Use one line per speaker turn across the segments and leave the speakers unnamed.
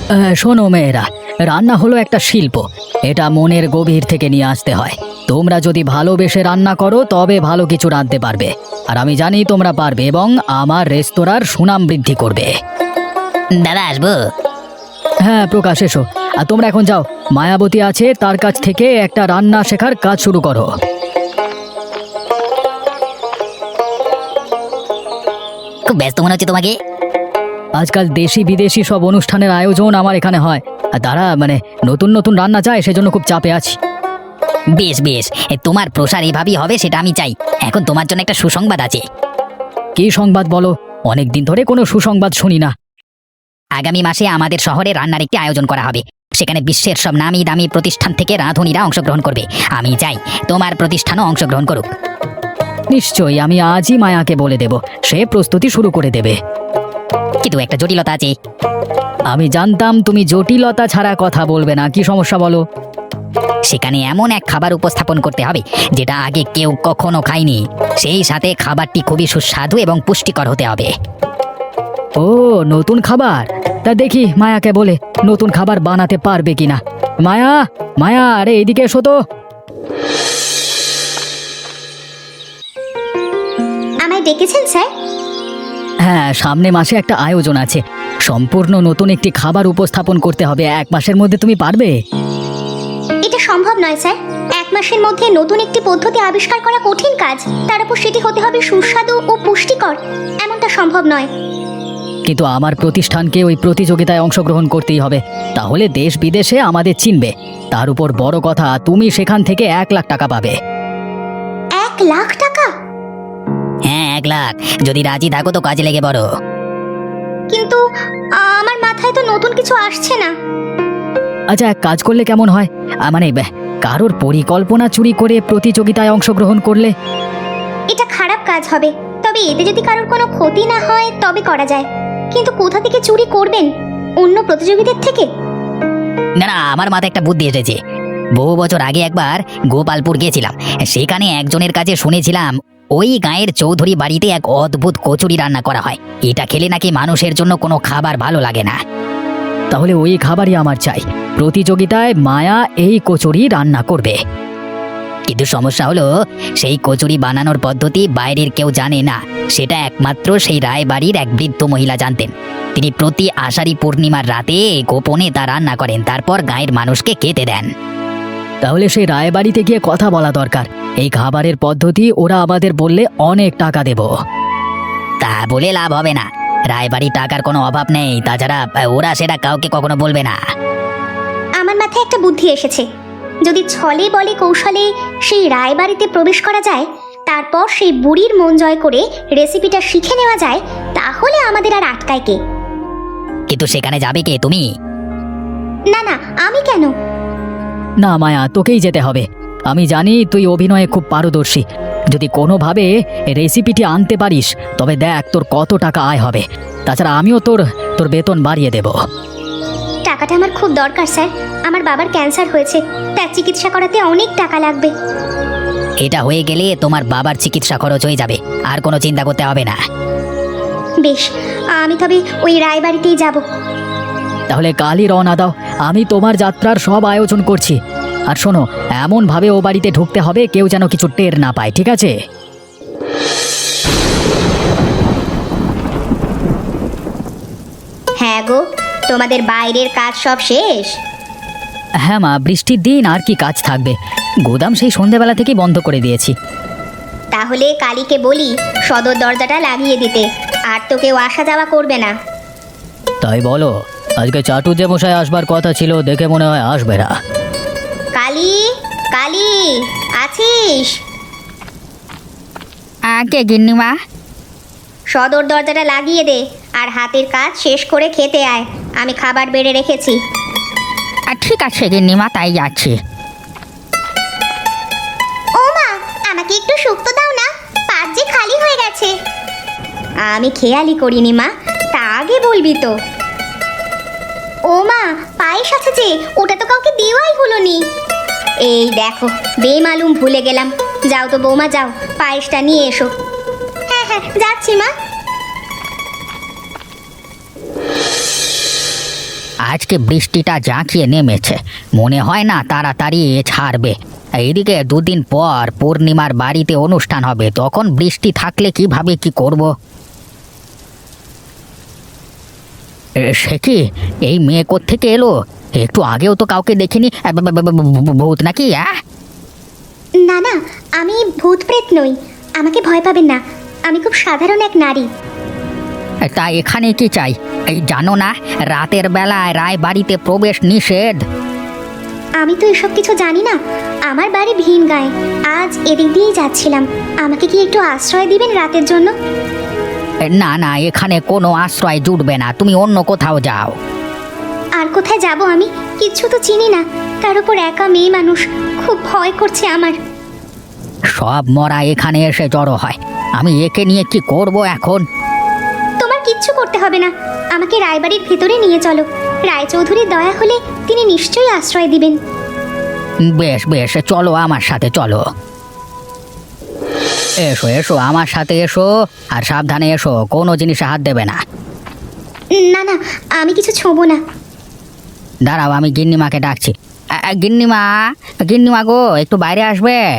শোনো মেয়েরা, রান্না হলো একটা শিল্প। এটা মনের গভীর থেকে নিয়ে আসতে হয়। তোমরা যদি ভালোবেসে রান্না করো তবে ভালো কিছু রাঁধতে পারবে। আর আমি জানি তোমরা পারবে এবং আমার রেস্তোরাঁর সুনাম বৃদ্ধি করবে।
দাদা, আসবো?
হ্যাঁ প্রকাশ, এসো। আর তোমরা এখন যাও, মায়াবতী আছে তার কাছ থেকে একটা রান্না শেখার কাজ শুরু করো।
খুব ব্যস্ত মনে হচ্ছে তোমাকে।
আজকাল দেশি বিদেশি সব অনুষ্ঠানের আয়োজন আমার এখানে হয়, আর তারা নতুন নতুন রান্না চায়, সেজন্য খুব চাপে আছি।
বেশ বেশ, তোমার প্রসার এভাবেই হবে সেটা আমি চাই। এখন তোমার জন্য একটা সুসংবাদ আছে।
কি সংবাদ বলো? অনেকদিন ধরে কোনো সুসংবাদ শুনি না।
আগামী মাসে আমাদের শহরে রান্নার একটি আয়োজন করা হবে। সেখানে বিশ্বের সব নামি দামি প্রতিষ্ঠান থেকে রাঁধুনিরা অংশগ্রহণ করবে। আমি চাই তোমার প্রতিষ্ঠানও অংশগ্রহণ করুক।
নিশ্চয়ই, আমি আজই মায়াকে বলে দেব, সে প্রস্তুতি শুরু করে দেবে।
কিন্তু একটা জটিলতা আছে।
আমি জানতাম তুমি জটিলতা ছাড়া কথা বলবে না। কি সমস্যা বলো?
সেখানে এমন এক খাবার উপস্থাপন করতে হবে যেটা আগে কেউ কখনো খায়নি। সেই সাথে খাবারটি খুবই সুস্বাদু এবং পুষ্টিকর হতে হবে।
ও, নতুন খাবার? তা দেখি মায়াকে বলে নতুন খাবার বানাতে পারবে কিনা। মায়া, মায়া, আরে এইদিকে এসো তো।
আমায় ডেকেছেন স্যার?
হ্যাঁ, সামনে মাসে একটা আয়োজন আছে। সম্পূর্ণ নতুন একটি খাবার উপস্থাপন করতে হবে। 1 মাসের মধ্যে তুমি পারবে?
এটা সম্ভব নয় স্যার। 1 মাসের মধ্যে নতুন একটি পদ্ধতি আবিষ্কার করা কঠিন কাজ, তার উপর সেটি হতে হবে সুস্বাদু ও পুষ্টিকর। এমনটা সম্ভব নয়।
কিন্তু আমার প্রতিষ্ঠানকে ওই প্রতিযোগিতায় অংশগ্রহণ করতেই হবে, তাহলে দেশ বিদেশে আমাদের চিনবে। তার উপর বড় কথা, তুমি সেখান থেকে 1 লাখ টাকা পাবে।
1 লাখ টাকা?
হ্যাঁ, 1 লাখ। যদি রাজি থাকো তো কাজে লেগে বড়।
কিন্তু আমার মাথায় তো নতুন কিছু আসছে না।
আচ্ছা, এক কাজ করলে কেমন হয়? কারোর পরিকল্পনা চুরি করে প্রতিযোগিতায় অংশগ্রহণ করলে?
এটা খারাপ কাজ হবে, তবে এতে যদি কারোর কোনো ক্ষতি না হয় তবে করা যায়। কিন্তু কোথা থেকে চুরি করবেন? অন্য প্রতিযোগীদের থেকে?
না না, আমার মাথায় একটা বুদ্ধি এসেছে। বহু বছর আগে একবার গোপালপুর গিয়েছিলাম। সেখানে একজনের কাছে শুনেছিলাম ওই গাঁয়ের চৌধুরী বাড়িতে এক অদ্ভুত কচুরি রান্না করা হয়। এটা খেলে নাকি মানুষের জন্য কোনো খাবার ভালো লাগে না।
তাহলে ওই খাবারই আমার চাই। প্রতিযোগিতায় মায়া এই কচুরি রান্না করবে।
কিন্তু সমস্যা হলো, সেই কচুরি বানানোর পদ্ধতি বাইরের কেউ জানে না। সেটা একমাত্র সেই রায়বাড়ির এক বৃদ্ধ মহিলা জানতেন। তিনি প্রতি আষাঢ়ী পূর্ণিমার রাতে গোপনে তা রান্না করেন, তারপর গাঁয়ের মানুষকে খেতে দেন।
তাহলে সেই রায়বাড়িতে গিয়ে কথা বলা দরকার। এই খাবারের পদ্ধতি ওরা আমাদের বললে অনেক টাকা দেব।
তা বলে লাভ হবে না। রায়বাড়ি টাকার কোনো অভাব নেই, তাছাড়া ওরা সেটা কাউকে কখনো বলবে না।
আমার মাথায় একটা বুদ্ধি এসেছে। যদি ছলে বলে কৌশলে সেই রায়বাড়িতে প্রবেশ করা যায়, তারপর সেই বুড়ির মন জয় করে রেসিপিটা শিখে নেওয়া যায়, তাহলে আমাদের আর আটকায় কে?
কিন্তু সেখানে যাবে কে? তুমি?
না না, আমি কেন?
না মায়া, তোকেই যেতে হবে। আমি জানি তুই অভিনয়ে খুব পারদর্শী। যদি কোনোভাবে রেসিপিটি আনতে পারিস তবে দেখ তোর কত টাকা আয় হবে। তাছাড়া আমিও তোর বেতন বাড়িয়ে দেব।
টাকাটা আমার খুব দরকার স্যার। আমার বাবার ক্যান্সার হয়েছে, তার চিকিৎসা করাতে অনেক টাকা লাগবে।
এটা হয়ে গেলে তোমার বাবার চিকিৎসা খরচ হয়ে যাবে, আর কোনো চিন্তা করতে হবে না।
বেশ, আমি তবে ওই রায়বাড়িতেই যাব।
তাহলে কালই রওনা দাও। আমি তোমার যাত্রার সব আয়োজন করছি। আর শোনো, এমনভাবে ও বাড়িতে ঢুকতে হবে কেউ যেন কিছু টের না পায়, ঠিক আছে?
হ্যাঁ গো, তোমাদের বাইরের কাজ সব শেষ?
হ্যাঁ মা, বৃষ্টির দিন আর কি কাজ থাকবে। গোদাম সেই সন্ধেবেলা থেকেই বন্ধ করে দিয়েছি।
তাহলে কালীকে বলি সদর দরজাটা লাগিয়ে দিতে, আর তো কেউ আসা যাওয়া করবে না।
তাই বলো? আজকে চাটু যে মশাই আসবার কথা ছিল, দেখে মনে হয় আসবে না।
কালী, কালী, আছিস?
আগে গিন্নিমা।
সদর দরজাটা লাগিয়ে দে, আর হাতের কাজ শেষ করে খেতে আয়। আমি খাবার বেড়ে রেখেছি।
ঠিক আছে গিন্নিমা, তাই যাচ্ছি।
ও মা, আমাকে একটু শুক্তো দাও না, পাত যে খালি হয়ে গেছে। আমি খেয়ালই করিনি মা, তা আগে বলবি তো। ও মা, পায়েস আছে যে, ওটা তো কাউকে দেওয়াই হলো নি। এই দেখো, বেমালুম ভুলে গেলাম। যাও তো বৌমা, যাও পায়েসটা নিয়ে এসো। হ্যাঁ হ্যাঁ, যাচ্ছি মা।
আজকে বৃষ্টিটা জাঁকিয়ে নেমেছে, মনে হয় না তাড়াতাড়ি ছাড়বে। এইদিকে দুদিন পর পূর্ণিমার বাড়িতে অনুষ্ঠান হবে, তখন বৃষ্টি থাকলে কিভাবে কি করব? সে কি, এই মেয়ে কোত্থেকে এলো? একটু আগেও তো কাউকে দেখিনি। ভূত নাকি?
না না, আমি ভূত প্রেত নই, আমাকে ভয় পাবেন না, আমি খুব সাধারণ এক নারী।
তা এখানে কি চাই? এই জানো না, রাতের বেলায় রায় বাড়িতে প্রবেশ নিষেধ।
আমি তো এসব কিছু জানি না, আমার বাড়ি ভিন গায়ে, আজ এদিক দিয়েই যাচ্ছিলাম, আমাকে কি একটু আশ্রয় দিবেন রাতের জন্য?
না না, এখানে কোনো আশ্রয় জুটবে না, তুমি অন্য কোথাও যাও।
আর কোথায় যাব আমি? কিচ্ছু তো চিনি না, তার উপর একা মেয়ে মানুষ, খুব ভয় করছে আমার।
সব মরা এখানে এসে জড়ো হয়, আমি একে নিয়ে কি করব এখন?
তোমার কিচ্ছু করতে হবে না, আমাকে রায়বাড়ির ভেতরে নিয়ে চলো, রায়চৌধুরীর দয়া হলে তিনি নিশ্চয়ই আশ্রয় দিবেন।
বেশ বেশ, চলো আমার সাথে, চলো। এসো এসো, আমার সাথে এসো, আর সাবধানে এসো, কোনো জিনিসে হাত দেবে না।
না না, আমি কিছু ছোঁবো না।
দাঁড়াও, আমি গিন্নিমাকে ডাকছি। গিন্নিমা, গিন্নিমা গো, একটু বাইরে আসবেন।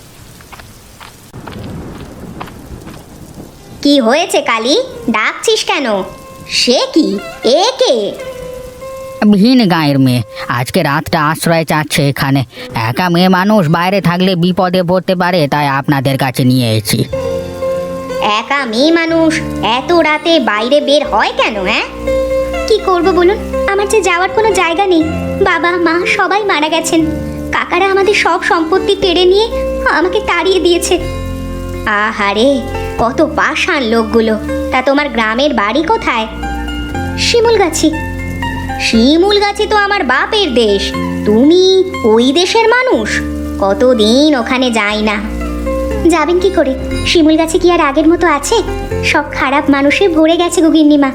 কি হয়েছে কালী, ডাকছিস কেন? সে কি, এ কে?
ভিন গাঁয়ের মেয়ে, আজকে রাতটা আশ্রয় চাচ্ছে এখানে। একা মেয়ে মানুষ, বাইরে থাকলে বিপদে পড়তে পারে, তাই আপনাদের কাছে নিয়ে এসেছি।
একা মেয়ে মানুষ এত রাতে বাইরে বের হয় কেন? কি করব বলুন, আমার যে যাওয়ার কোনো জায়গা নেই, বাবা মা সবাই মারা গেছেন, কাকারা আমাদের সব সম্পত্তি কেড়ে নিয়ে আমাকে তাড়িয়ে দিয়েছে। আহারে, কত পাষাণ লোকগুলো। তা তোমার গ্রামের বাড়ি কোথায়? শিমুলগাছি। শিমুলগাছি তো আমার বাপের দেশ, তুমি ওই দেশের মানুষ? কতদিন ওখানে যাই না। যাবেন কি করে, শিমুলগাছি কি আর আগের মতো আছে? সব খারাপ মানুষে ভরে গেছে গিন্নিমা।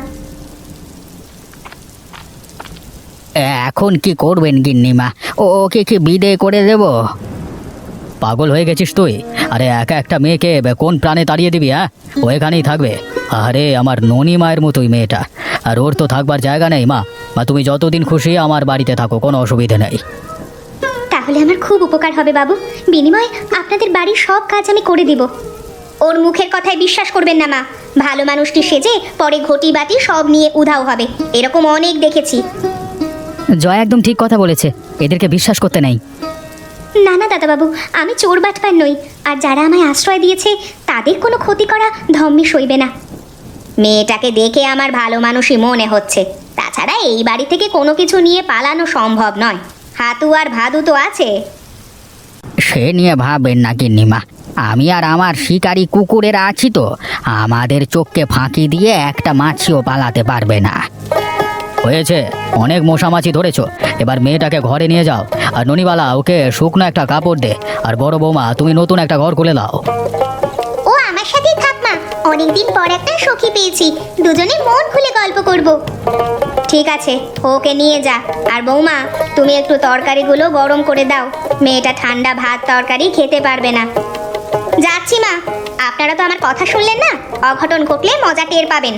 এখন কি করবেন গিন্নিমা? ওকে কি বিদায় করে দেব?
পাগল হয়ে গেছিস তুই? আরে একা একটা মেয়েকে কোন প্রাণে তাড়িয়ে দিবি? ও এখানেই থাকবে। আরে আমার ননি মায়ের মতোই মেয়েটা, আর ওর তো থাকবার জায়গা নেই। মা, তুমি যতদিন খুশি আমার বাড়িতে থাকো, কোনো অসুবিধে নেই।
তাহলে আমার খুব উপকার হবে বাবু, বিনিময়ে আপনাদের বাড়ির সব কাজ আমি করে দিব। ওর মুখের কথায় বিশ্বাস করবেন না মা, ভালো মানুষটি সেজে পরে ঘটি বাটি সব নিয়ে উধাও হবে, এরকম অনেক দেখেছি।
জয় একদম ঠিক কথা বলেছে, এদেরকে বিশ্বাস করতে নেই।
না না দাদাবাবু, আমি চোর বাটপার নই, আর যারা আমায় আশ্রয় দিয়েছে তাদের কোনো ক্ষতি করা ধম্মে সইবে না। মেয়েটাকে দেখে আমার ভালো মানুষই মনে হচ্ছে, তাছাড়া এই বাড়ি থেকে কোনো কিছু নিয়ে পালানো সম্ভব নয়, হাতু আর ভাদু তো আছে।
সে নিয়ে ভাববেন না গিন্নিমা, আমি আর আমার শিকারী কুকুরেরা আছি তো, আমাদের চোখকে ফাঁকি দিয়ে একটা মাছিও পালাতে পারবে না।
হয়েছে, অনেক মশামাছি ধরেছো, এবার মেয়েটাকে ঘরে নিয়ে যাও, আর ননিবালা ওকে শুকনো একটা কাপড় দে, আর বড় বৌমা তুমি নতুন একটা ঘর খুলে দাও।
ও আমার সাথেই থাক মা, অনেকদিন পর একটা সখী পেয়েছি, দুজনে মন খুলে গল্প করব। ঠিক আছে, ওকে নিয়ে যা, আর বৌমা তুমি একটু তরকারিগুলো গরম করে দাও, মেয়েটা ঠান্ডা ভাত তরকারি খেতে পারবে না। যাচ্ছি মা, আপনারা তো আমার কথা শুনলেন না, অঘটন ঘটলে মজা টের পাবেন।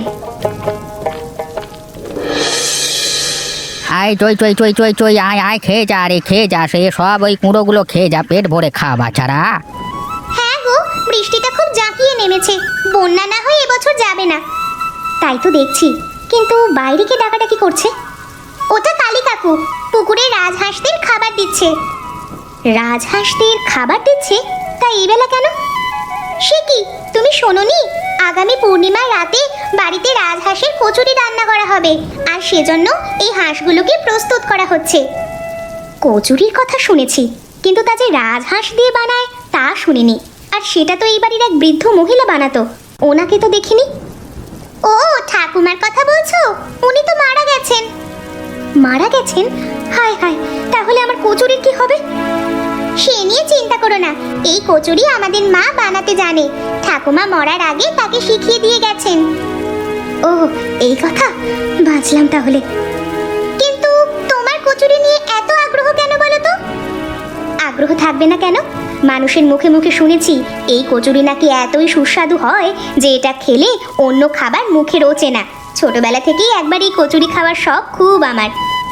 আয় চই চই চই চই চই, আয় আয়, খেয়ে যা রে, খেয়ে যা, সে সব ওই কুঁড়োগুলো খেয়ে যা, পেট ভরে খা বাছারা।
হ্যাঁ গো, বৃষ্টিটা খুব জাঁকিয়ে নেমেছে, বন্যা না হয়ে এবছর যাবে না। তাই তো দেখছি, কিন্তু বাইরে কে ডাকাডাকি করছে? ওটা কালী কাকু, পুকুরে রাজহাঁসদের খাবার দিচ্ছে। রাজহাঁসদের খাবার দিচ্ছে? তা এই বেলা কেন? সে কি, তুমি শোনোনি? আগামী পূর্ণিমার রাতে বাড়িতে রাজহাঁসের কচুরি রান্না করা হবে, আর সেজন্য এই হাঁসগুলোকে প্রস্তুত করা হচ্ছে। কচুরির কথা শুনেছি, কিন্তু তা যে রাজহাঁস দিয়ে বানায় তা শুনিনি, আর সেটা তো এই বাড়ির এক বৃদ্ধ মহিলা বানাতো, ওনাকে তো দেখিনি। ও ঠাকুমার কথা বলছো? উনি তো মারা গেছেন। মারা গেছেন? হায় হায়, তাহলে আমার কচুরির কি হবে? সে নিয়ে চিন্তা করো না, এই কচুরি আমাদের মা বানাতে জানে, ঠাকুমা মরার আগে তাকে শিখিয়ে দিয়ে গেছেন। ও এই কথা, বাঁচলাম তাহলে। কিন্তু তোমার কচুরি নিয়ে এত আগ্রহ কেন বলো তো? আগ্রহ থাকবে না কেন? মানুষের মুখে মুখে শুনেছি এই কচুরি নাকি এতই সুস্বাদু হয় যে এটা খেলে অন্য খাবার মুখে রোচে না। ছোটবেলা থেকেই একবার এই কচুরি খাওয়ার শখ খুব আমার,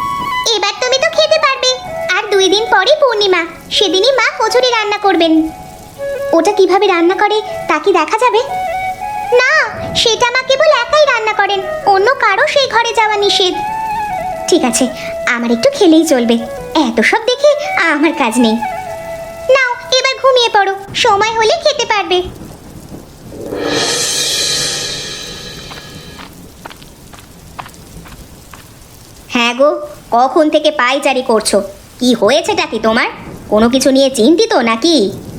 এবার তুমি তো খেতে পারবে। আর 2 দিন পরেই পূর্ণিমা, সেদিনই মা কচুরি রান্না করবেন। ওটা কিভাবে রান্না করে তা কি দেখা যাবে? না, সেটা মা কেবল একাই রান্না করেন, অন্য কারো সেই ঘরে যাওয়া নিষেধ। ঠিক আছে, আমার একটু খেলেই চলবে, এত সব দেখে আমার কাজ নেই। নাও এবার ঘুমিয়ে পড়ো, সময় হলে খেতে পারবে। হ্যাঁ গো, কখন থেকে পায়চারি করছো? কি হয়েছেটা কি তোমার? কোনো কিছু নিয়ে চিন্তিত নাকি?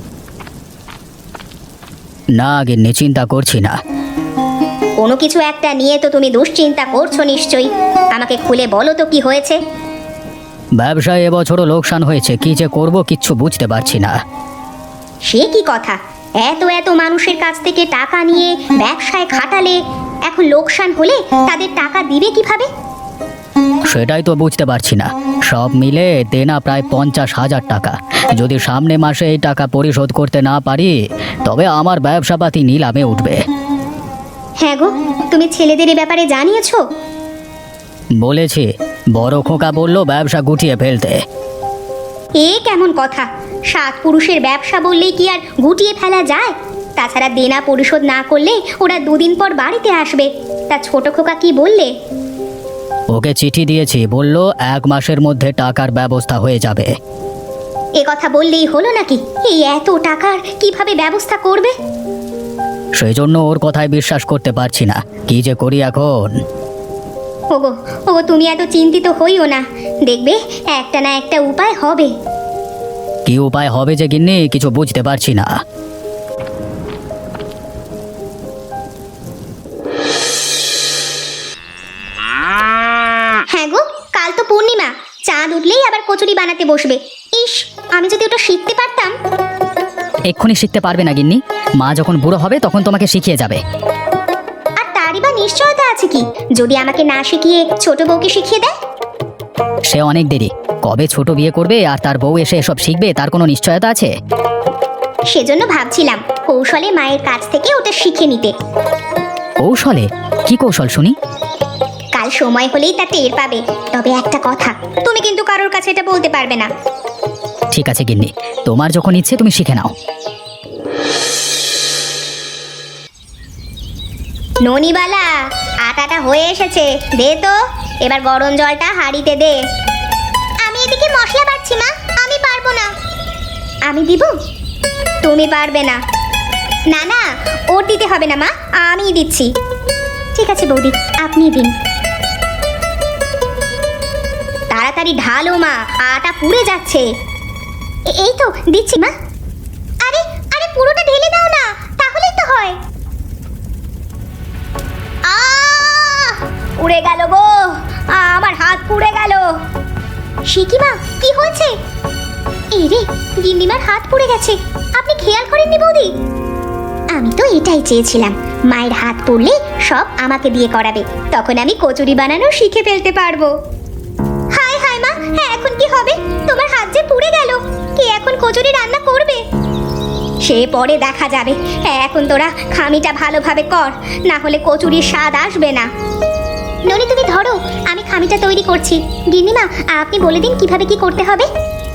না গিন্নি, চিন্তা করছি না।
কোনো কিছু একটা নিয়ে তো তুমি দুশ্চিন্তা করছো নিশ্চয়ই। আমাকে খুলে বলো তো কি হয়েছে।
ব্যবসায় এবছরও লোকসান হয়েছে, কি যে করব কিচ্ছু বুঝতে পারছি না।
সে কি কথা? এত এত মানুষের কাছ থেকে টাকা নিয়ে ব্যবসায় খাটালে এখন লোকসান হলে তাদের টাকা দিবে কিভাবে?
সেটাই তো বুঝতে পারছি না। সব মিলে দেনা প্রায় 50,000 টাকা। যদি সামনে মাসে এই টাকা পরিশোধ করতে না পারি তবে আমার ব্যবসাপাতি নিলামে উঠবে।
হ্যাঁ গো, তুমি ছেলেদের এ ব্যাপারে জানিয়েছো?
বলেছি, বড় খোকা বলল ব্যবসা গুটিয়ে ফেলতে।
এ কেমন কথা? 7 পুরুষের ব্যবসা বললেই কি আর গুটিয়ে ফেলা যায়? তাছাড়া দেনা পরিশোধ না করলে ওরা 2 দিন পর বাড়িতে আসবে। তা ছোট খোকা কি বললে?
ওকে চিঠি দিয়েছি, বলল 1 মাসের মধ্যে টাকার ব্যবস্থা হয়ে যাবে।
এ কথা বললেই হলো নাকি? এই এত টাকার কিভাবে ব্যবস্থা করবে?
সেই জন্য ওর কথায় বিশ্বাস করতে পারছি না, কি যে করি এখন।
ওগো ওগো, তুমি এত চিন্তিত হইও না, দেখবে একটা না একটা উপায় হবে।
কি উপায় হবে যে গিন্নি, কিছু বুঝতে পারছি না।
হ্যাঁ গো, কাল তো পূর্ণিমা, চাঁদ উঠলেই আবার কচুরি বানাতে বসবে। ইস, আমি যদি ওটা শিখতে পারতাম।
এক্ষুনি শিখতে পারবে না গিন্নি, মা যখন বুড়ো হবে তখন তোমাকে শিখিয়ে যাবে।
আর তারই বা নিশ্চয়তা আছে কি, যদি আমাকে না শিখিয়ে ছোট বউকে শিখিয়ে দেয়?
সে অনেক দেরি, কবে ছোট বিয়ে করবে আর তার বউ এসে এসব শিখবে তার কোনো নিশ্চয়তা আছে?
সেজন্য ভাবছিলাম কৌশলে মায়ের কাছ থেকে ওটা শিখে নিতে।
কৌশলে? কি কৌশল শুনি?
কাল সময় হলেই তা টের পাবে। তবে একটা কথা, তুমি কিন্তু কারোর কাছে এটা বলতে পারবে না।
ঠিক আছে গিন্নি, তোমার যখন ইচ্ছে তুমি শিখে নাও।
ননিবালা, আটাটা হয়ে এসেছে, দে তো। এবার গরম জলটা হাঁড়িতে দে। আমি এদিকে মশলা বাটছি মা, আমি পারবো না। আমি দিব? তুমি পারবে না। না না, ওর দিতে হবে না মা, আমিই দিচ্ছি। ঠিক আছে বৌদি, আপনি দিন। তাড়াতাড়ি ঢালো মা, আটা পুড়ে যাচ্ছে। এই তো দিচ্ছি মা। আরে আরে, পুরোটা ঢেলে দাও না, তাহলেই তো হয়। উড়ে গেল গো, আমার হাত পুড়ে গেল। সে কি মা, কি হয়েছে? এই রে, গিন্নিমার হাত পুড়ে গেছে। আপনি খেয়াল করেননি বৌদি? আমি তো এটাই চেয়েছিলাম, মায়ের হাত পুড়লে সব আমাকে দিয়ে করাবে, তখন আমি কচুরি বানানো শিখে ফেলতে পারবো। হায় হায় মা, হ্যাঁ এখন কি হবে? তোমার হাত যে পুড়ে গেল, কে এখন কচুরি রান্না করবে? সে পরে দেখা যাবে। এখন তোরা খামিটা ভালোভাবে কর, না হলে কচুরির স্বাদ আসবে না। ননি তুমি ধরো, আমি খামিটা তৈরি করছি। গিন্নিমা, আপনি বলে দিন কিভাবে কি করতে হবে।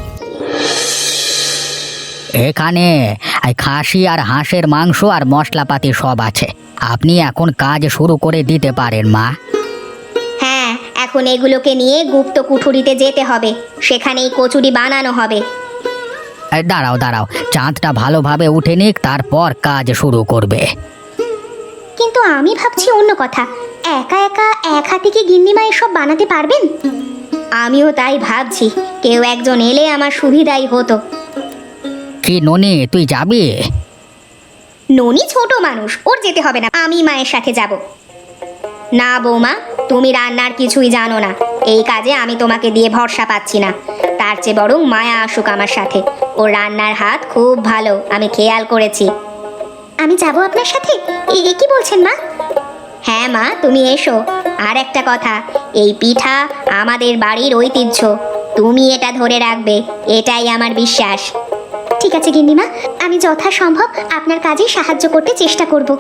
এখানে খাসি আর হাঁসের মাংস আর মশলাপাতি সব আছে, আপনি এখন কাজ শুরু করে দিতে পারেন মা।
হ্যাঁ, এখন এগুলোকে নিয়ে গুপ্ত কুঠুরিতে যেতে হবে, সেখানেই কচুরি বানানো হবে।
দাঁড়াও দাঁড়াও, চাঁদটা ভালোভাবে উঠে নিক, তারপর কাজ শুরু করবে।
কিন্তু আমি ভাবছি অন্য কথা, একা একা এক হাতে কি গিন্নিমা এসব বানাতে পারবেন? আমিও তাই ভাবছি, কেউ একজন এলে আমার সুবিধাই হতো।
কি ননি, তুই যাবি?
ননি ছোট মানুষ, ওর যেতে হবে না, আমি মায়ের সাথে যাব। না বৌমা, তুমি রান্নার কিছুই জানো না, এই কাজে আমি তোমাকে দিয়ে ভরসা পাচ্ছি না। তার চেয়ে বরং মায়া আসুক আমার সাথে, ওর রান্নার হাত খুব ভালো, আমি খেয়াল করেছি। আমি যাব আপনার সাথে? এ কি বলছেন মা? হ্যাঁ মা, তুমি এসো। আর একটা কথা, এই পিঠা আমাদের বাড়ির ঐতিহ্য, তুমি এটা ধরে রাখবে, এটাই আমার বিশ্বাস। ঠিক আছে গিন্নিমা, আমি যথাসম্ভব আপনার কাজে সাহায্য করতে চেষ্টা করব।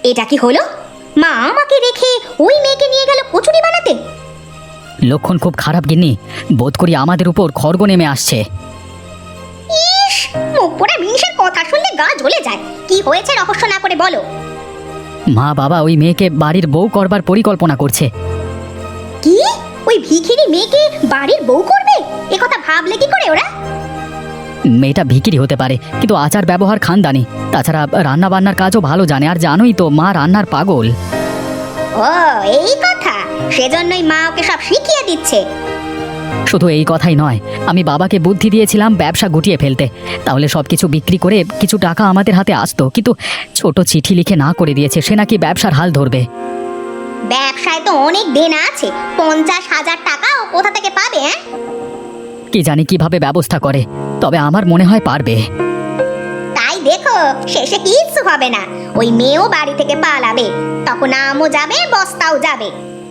এটা কি হলো? মা আমাকে রেখে ওই মেয়েকে নিয়ে গেল কচুরি বানাতে।
লক্ষণ খুব খারাপ গিন্নি, বোধ করি আমাদের উপর খড়গ নেমে আসছে।
ইস, মুখ পোড়া মিনিষের কথা শুনলে গা জ্বলে যায়। কি হয়েছে রহস্য না করে বলো।
মা বাবা ওই মেয়েকে বাড়ির বউ করবার পরিকল্পনা করছে।
কি? ওই ভিখিরি মেয়েকে বাড়ির বউ করবে? এ কথা ভাবলে কি করে ওরা?
মেয়েটা ভিখিরি হতে পারে, কিন্তু আচার ব্যবহার খানদানি। তাছাড়া রান্না বান্নার কাজও ভালো জানে, আর জানোই তো মা রান্নার পাগল।
ও এই কথা, সেজন্যই মা ওকে সব শিখিয়ে দিচ্ছে।
শুধু এই কথাই নয়, আমি বাবাকে বুদ্ধি দিয়েছিলাম ব্যবসা গুটিয়ে ফেলতে, তাহলে সবকিছু বিক্রি করে কিছু টাকা আমাদের হাতে আসতো। কিন্তু ছোট চিঠি লিখে না করে দিয়েছে, সে নাকি ব্যবসার হাল ধরবে।
ব্যবসায় তো অনেক দেনা আছে, 50,000 টাকা ও কোথা থেকে পাবে? হ্যাঁ,
কি জানি কিভাবে ব্যবস্থা করে, তবে আমার মনে হয় পারবে।
তাই দেখো, শেষে কিচ্ছু হবে না। ওই মেয়েও বাড়ি থেকে পালাবে, তখন আমও যাবে, বস্তাও যাবে।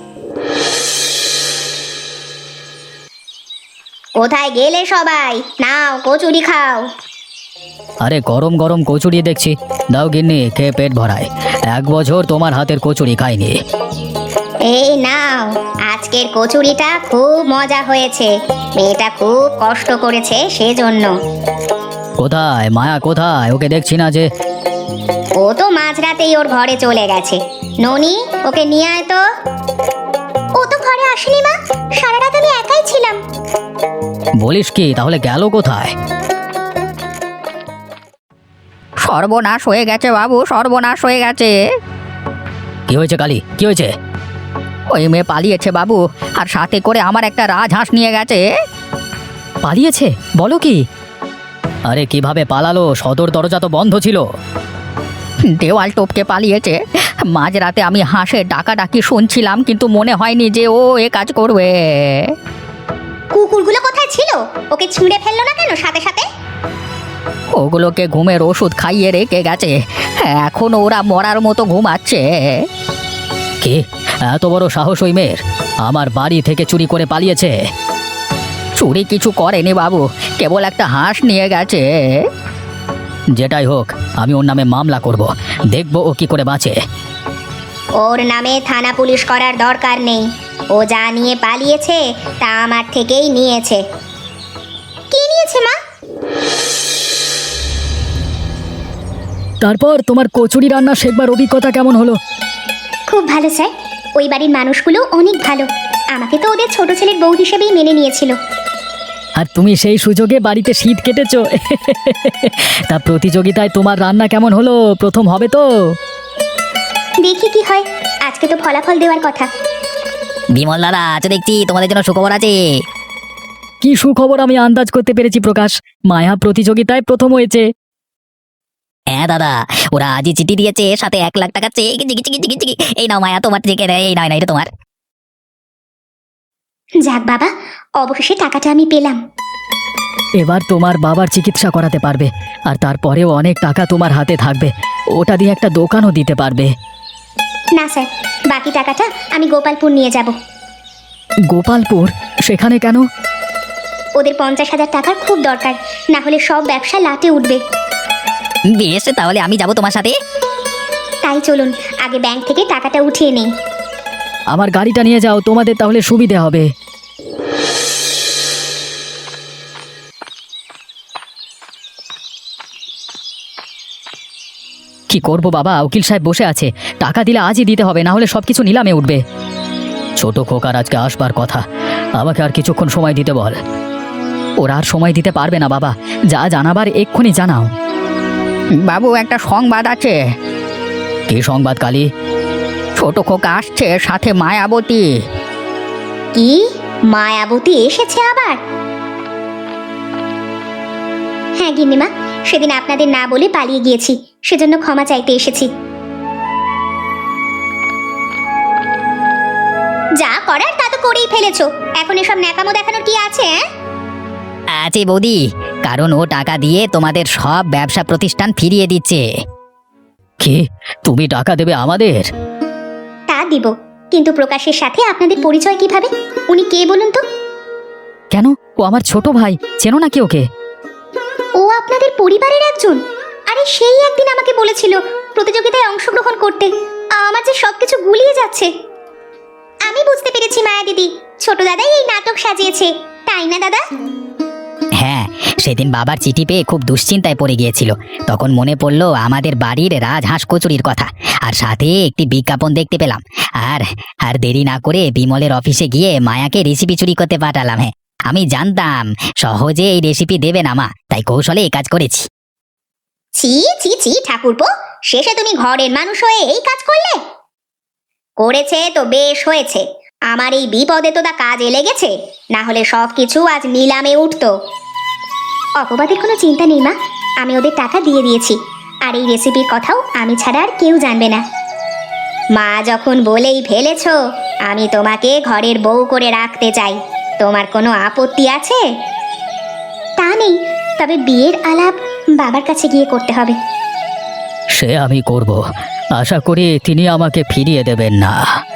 কোথায় গেলে সবাই? নাও কচুরি খাও।
আরে গরম গরম কচুরি দেখছি, দাও গিন্নি, খেয়ে পেট ভরায়। 1 বছর তোমার হাতের কচুরি খাইনি।
এই নাও, আজকের কচুরিটা খুব মজা হয়েছে। মেয়েটা খুব কষ্ট করেছে সেজন্য।
কোথায় মায়া, কোথায়? ওকে দেখছি না যে।
ও তো মাঝরাতেই ওর ঘরে চলে গেছে। ননি, ওকে নিয়ে আয় তো। ও তো ঘরে আসেনি মা, সারা রাত আমি একাই ছিলাম।
বলিস কি? তাহলে গেল কোথায়?
সর্বনাশ হয়ে গেছে বাবু, সর্বনাশ হয়ে গেছে।
কি হয়েছে কালী, কি হয়েছে?
ওই মেয়ে পালিয়েছে বাবু, আর সাথে করে আমার একটা রাজহাঁস নিয়ে গেছে।
পালিয়েছে? বলো কি? আরে কিভাবে পালালো? সদর দরজা তো বন্ধ ছিল।
দেওয়াল টপকে পালিয়েছে। মাঝরাতে আমি হাঁসের ডাকাডাকি শুনছিলাম, কিন্তু মনে হয়নি যে ও এ কাজ করবে।
কুকুরগুলো কোথায় ছিল? ওকে ছুঁড়ে ফেললো না কেন সাথে সাথে?
ওগুলোকে ঘুমের ওষুধ খাইয়ে রেখে গেছে, এখন ওরা মরার মতো ঘুমাচ্ছে।
কি এত বড় সাহস ওই মেয়ের? আমার বাড়ি থেকে চুরি করে পালিয়েছে?
চুরি কিছু করেনি বাবু, কেবল একটা হাঁস নিয়ে গেছে।
যেটাই হোক, আমি ওর নামে মামলা করব, দেখব ও কি করে বাঁচে।
ওর নামে থানা পুলিশ করার দরকার নেই। ও যা নিয়ে পালিয়েছে তা আমার থেকেই নিয়েছে। কি নিয়েছে মা?
তারপর তোমার কচুরি রান্না শেখবার অভিজ্ঞতা কেমন হলো?
খুব ভালো স্যার। ওই বাড়ির মানুষগুলো অনেক ভালো। আমাকে তো ওদের ছোট ছেলের বউ হিসেবেই মেনে নিয়েছিল।
আর তুমি সেই সুযোগে বাড়িতে শীত কেটেছো। তা প্রতিযোগিতায় তোমার রান্না কেমন হলো? প্রথম হবে তো?
দেখি কি হয়। আজকে তো ফলাফল দেওয়ার কথা।
বিমল দাদা, আজ দেখছি তোমাদের জন্য সুখবর আছে।
কি সুখবর? আমি আন্দাজ করতে পেরেছি প্রকাশ, মায়া প্রতিযোগিতায় প্রথম হয়েছে।
হ্যাঁ দাদা, ওরা আজই চিঠি দিয়েছে, সাথে 1 লাখ টাকা চেক। এই নাও মায়া, তোমার চেকে। এই নয় না, এটা তোমার।
যাক বাবা, অবশেষে টাকাটা আমি পেলাম।
এবার তোমার বাবার চিকিৎসা করাতে পারবে, আর তারপরেও অনেক টাকা তোমার হাতে থাকবে। ওটা দিয়ে একটা দোকানও দিতে পারবে।
না স্যার, বাকি টাকাটা আমি গোপালপুর নিয়ে যাব।
গোপালপুর? সেখানে কেন?
ওদের 50,000 টাকার খুব দরকার, না হলে সব ব্যবসা লাটে উঠবে।
বেশ, তাহলে আমি যাব তোমার সাথে।
তাই চলুন, আগে ব্যাংক থেকে টাকাটা উঠিয়ে নেই।
আমার গাড়িটা নিয়ে যাও, তোমাদের তাহলে সুবিধে হবে। কি করব বাবা, উকিল সাহেব বসে আছে। টাকা দিলে আজই দিতে হবে, না হলে সবকিছু নিলামে উঠবে। ছোট খোকার আজকে আসবার কথা, আমাকে আর কিছুক্ষণ সময় দিতে বল। ওরা আর সময় দিতে পারবে না বাবা, যা জানাবার এক্ষুনি জানাও।
বাবু, একটা সংবাদ আছে।
কি সংবাদ কালী?
ছোট খোকা আসছে, সাথে মায়াবতী।
কি? মায়াবতী এসেছে আবার? হ্যাঁ গিন্নিমা, সেদিন আপনাদের না বলে পালিয়ে গিয়েছি, সেজন্য ক্ষমা চাইতে এসেছি। যা করার তা তো করেই ফেলেছো, এখন এসব ন্যাকামো দেখানোর কি আছে?
আছে বৌদি, কারণ ও টাকা দিয়ে তোমাদের সব ব্যবসা প্রতিষ্ঠান ফিরিয়ে দিচ্ছে।
কি? তুমি টাকা দেবে আমাদের?
তা দিব, কিন্তু প্রকাশের সাথে আপনাদের পরিচয় কিভাবে? উনি কে বলুন তো?
কেন? ও আমার ছোট ভাই, চেনো নাকি ওকে?
ও আপনাদের পরিবারের একজন, আরে সেই একদিন আমাকে বলেছিল প্রতিযোগিতায় অংশগ্রহণ করতে। আমার যে সবকিছু গুলিয়ে যাচ্ছে। আমি বুঝতে পেরেছি মায়া দিদি, ছোট দাদাই এই নাটক সাজিয়েছে, তাই না দাদা?
হ্যাঁ, সেদিন বাবার চিঠি পেয়ে খুব দুশ্চিন্তায় পড়ে গিয়েছিল। তখন মনে পড়লো আমাদের বাড়ির রাজহাঁস কচুরির কথা, আর সাথে একটি বিজ্ঞাপন দেখতে পেলাম। আর আর দেরি না করে বিমলের অফিসে গিয়ে মায়াকে রেসিপি চুরি করতে পাঠালাম। হ্যাঁ, আমি জানতাম সহজে এই রেসিপি দেবে না মা, তাই কৌশলে এই কাজ করেছি।
ছি ছি ছি ঠাকুরপো, শেষে তুমি ঘরের মানুষ হয়ে এই কাজ করলে? করেছে তো বেশ হয়েছে, আমার এই বিপদে তো তা কাজে লেগেছে, না হলে সব কিছু আজ নিলামে উঠতো। অপবাদের কোনো চিন্তা নেই মা, আমি ওদের টাকা দিয়ে দিয়েছি, আর এই রেসিপির কথাও আমি ছাড়া আর কেউ জানবে না। মা যখন বলেই ফেলেছ, আমি তোমাকে ঘরের বউ করে রাখতে চাই, তোমার কোনো আপত্তি আছে? তা নেই, তবে বিয়ের আলাপ বাবার কাছে গিয়ে করতে হবে।
সে আমি করব, আশা করি তিনি আমাকে ফিরিয়ে দেবেন না।